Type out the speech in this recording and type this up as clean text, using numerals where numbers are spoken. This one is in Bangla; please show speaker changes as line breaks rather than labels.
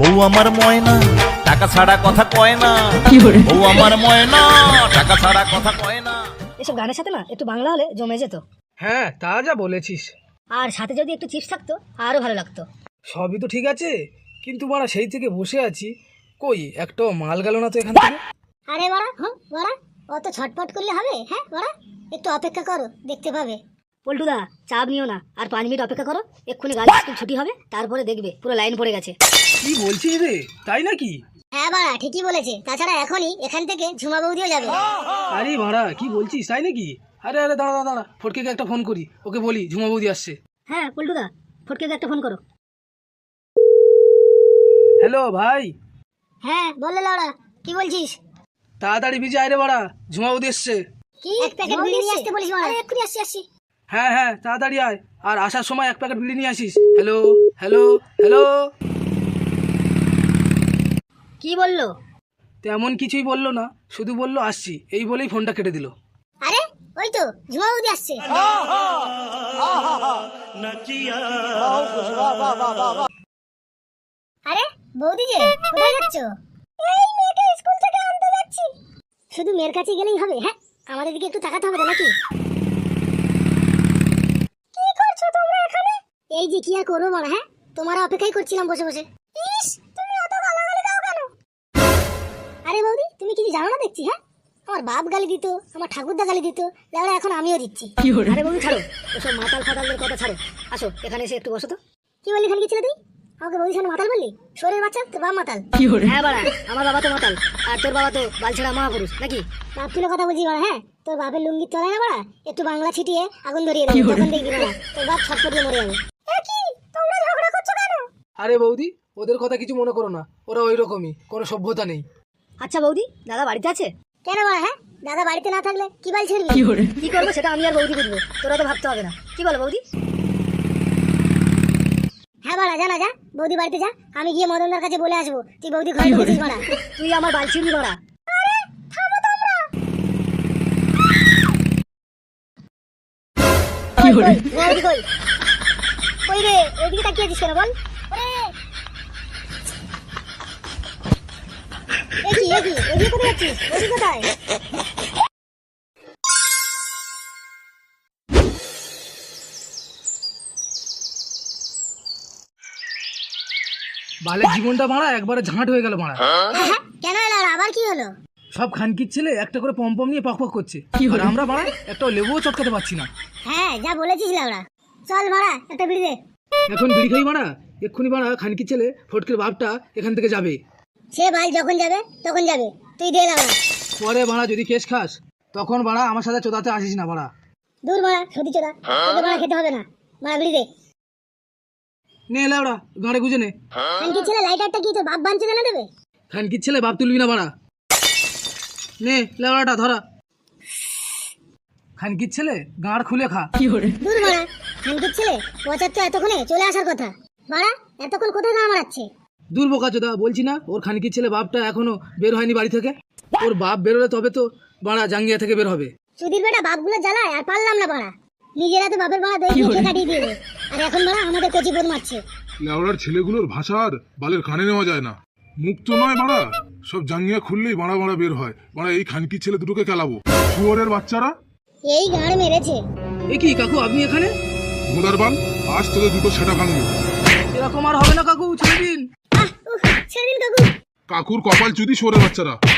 বউ আমার ময়না টাকা ছাড়া কথা কয় না, বউ আমার ময়না টাকা ছাড়া কথা কয় না।
এসব গানের সাথে না একটু বাংলা হলে জমে যেত।
হ্যাঁ তা যা বলেছিস।
আর সাথে যদি একটু চিপস থাকতো আরো ভালো লাগতো।
সবই তো ঠিক আছে, কিন্তু বাড়া সেই থেকে বসে আছি, কই একটাও মাল গেল না তো এখান থেকে।
আরে বাড়া বাড়া অত ছটপট করলে হবে? হ্যাঁ বাড়া একটু অপেক্ষা করো, দেখতে পাবে।
পল্টুদা চাপ নিও না, আর 5 মিনিট অপেক্ষা করো, এক্ষুনি গাড়ি স্কুল ছুটি হবে, তারপরে দেখবে পুরো লাইন পড়ে গেছে।
কি বলছিস রে, তাই নাকি?
হ্যাঁ বাড়া ঠিকই বলেছে, তাছাড়া এখনই এখান থেকে ঝুমা বৌদিও যাবে।
আরে বাড়া কি বলছিস, তাই নাকি? আরে আরে দাঁড়া দাঁড়া, ফটকেকে একটা ফোন করি, ওকে বলি ঝুমা বৌদি আসছে।
হ্যাঁ পল্টুদা, ফটকে একটা ফোন করো।
হ্যালো ভাই।
হ্যাঁ বললে লাউড়া, কি বলছিস?
তাড়াতাড়ি ভিজে আয় রে বাড়া, ঝুমা বৌদি এসছে।
কি এক প্যাকেট বিড়ি নিয়ে আসতে বলিস বাড়া? এক্ষুনি আসছি।
হ্যাঁ হ্যাঁ তাড়াতাড়ি আয়, আর আসার সময় 1 প্যাকেট বিড়ি নিয়ে আসিস। Hello hello hello.
কি বললো?
তেমন কিছুই বললো না, শুধু বললো আসছি, এই বলেই ফোনটা কেটে দিল।
আরে ওই তো ঝুমা বৌদি আসছে। আরে বৌদি যে কোথায় যাচ্ছ? এই মেয়েকে স্কুল থেকে আনতে যাচ্ছি। শুধু মেয়ের কাছে গেলেই হবে? হ্যাঁ আমাদের দিকে একটু তাকাতে হবে নাকি? কি করছো তোমরা এখানে? এই যে কি আর করবো বড়, হ্যাঁ তোমার অপেক্ষাই করছিলাম বসে বসে। ইস তুমি এত গালাগালি দাও কেন? আরে বৌদি তুমি কিছু জানো না দেখছি। হ্যাঁ আমার বাপ গালি দিত, আমার ঠাকুরদা গালি দিত, লেওড়া এখন আমিও দিচ্ছি।
আরে বৌদি ছাড়ো, ওসব মাতাল ফাতালদের কথা ছাড়ো, আসো এখানে এসে একটু বসো তো।
কি বললি খালি ছিল তুই? আমাকে বৌদির সামনে মাতাল বললি? শোরের বাচ্চা, তোর বাপ মাতাল।
হ্যাঁ বাড়া, আমার বাবা তো মাতাল, আর তোর বাবা তো বালছেড়া মহাপুরুষ নাকি?
বাপ তুলে কথা বলছি বাড়া। হ্যাঁ তোর বাপের লুঙ্গির তলায় না বাড়া একটু বাংলা ছিটিয়ে আগুন ধরিয়ে দেবে, তখন দেখবি বাড়া তোর বাপ ছটফট দিয়ে মরে যাবে। কি তোমরা ঝগড়া করছো কেন?
আরে বৌদি ওদের কথা কিছু মনে করো না, ওরা ওই রকমই, কোনো সভ্যতা নেই।
আচ্ছা বৌদি, দাদা বাড়িতে আছে?
কেন বাড়া? হ্যাঁ দাদা বাড়িতে না থাকলে কি বাল ছিড়বি?
কি করবো সেটা আমি আর বৌদি বুঝবো, তোরা তো ভাবতে হবে না। কি বলো বৌদি?
হ্যাঁ বাড়া জানা যা, বৌদি বাড়িতে যা, আমি গিয়ে মদনদার কাছে বলে আসবো তুই বৌদি ঘরে ঢুকেছিস বাড়া।
তুই আমার বালছিড়বি বাড়া।
বৌদি কই? কই রে, ওইদিকে তাকিয়ে আছিস কেন বল? ওইদিকে কোথায় যাচ্ছিস? ওইদিকে কোথায়?
বালের জীবনটা মারা একবারে ঝাঁট হয়ে গেল মারা।
কেন এলো আবার কি হলো?
সব খানকির ছেলে একটা করে পম্পম নিয়ে পক করছে, আর আমরা মারা একটা লেবুও চটকাতে পারছি না।
হ্যাঁ যা বলেছিস লাউড়া, চল মারা একটা বিড়ি দে।
এখন বিড়ি খাই মারা, এক্ষুনি মারা খানকির ছেলে ফটকের বাপটা এখান থেকে যাবে।
সে ভাই যখন যাবে তখন যাবে, তুই দে লাউড়া।
পরে মারা যদি কেস খাস তখন মারা আমার সাথে চোদাতে আসিস না মারা।
দূর মারা সতী চোদা, তোকে মারা খেতে হবে না, মারা বিড়ি দে।
নে লাউড়া গাঁড়ে গুজে নে।
খানকি ছেলে লাইটারটা কি তোর বাপ বানছে না দেবে?
খানকির ছেলে বাপ তুলবি না মারা, নে লাউড়াটা ধরা। খানকির ছেলে গাঁড় খুলে খা।
দূর মারা খানকির ছেলে, পচার তো এতক্ষণে চলে আসার কথা, মারা এতক্ষণ কোথায় গা মারাচ্ছে?
দূর বোকা চোদা, বলছি না ওর খানকির ছেলে বাপটা এখনো বের হয়নি বাড়ি থেকে। ওর বাপ বেরোলে তবে তো বাড়া জাঙ্গিয়া থেকে বের হবে।
সুধীর বেটা বাপগুলো জ্বালায় আর পারলাম না বাড়া, নিজেরা তো বাপের বাড়া দই দিয়ে কাটিয়ে দিবে, আর এখন বাড়া আমাদের কচি বোন মারছে।
লেওড়ার ছেলেগুলোর ভাষা আর বালের কানে নেওয়া যায় না। মুখ তো নয় বাড়া, সব জাঙ্গিয়া খুললেই বাড়া বাড়া বের হয়। বাড়া এই খানকির ছেলে দুটোকে খেলাবো, শুয়োরের বাচ্চারা।
এই গাঁড় মেরেছে।
এ কি কাকু আপনি এখানে?
ঘোড়ার বাল, আজ তোদের দুটো সেটা ভাঙবো।
এরকম আর হবে না কাকু, ছেড়ে দিন।
ছেড়ে দিন কাকু।
কাকুর কপাল চুদি শুয়োরের বাচ্চারা।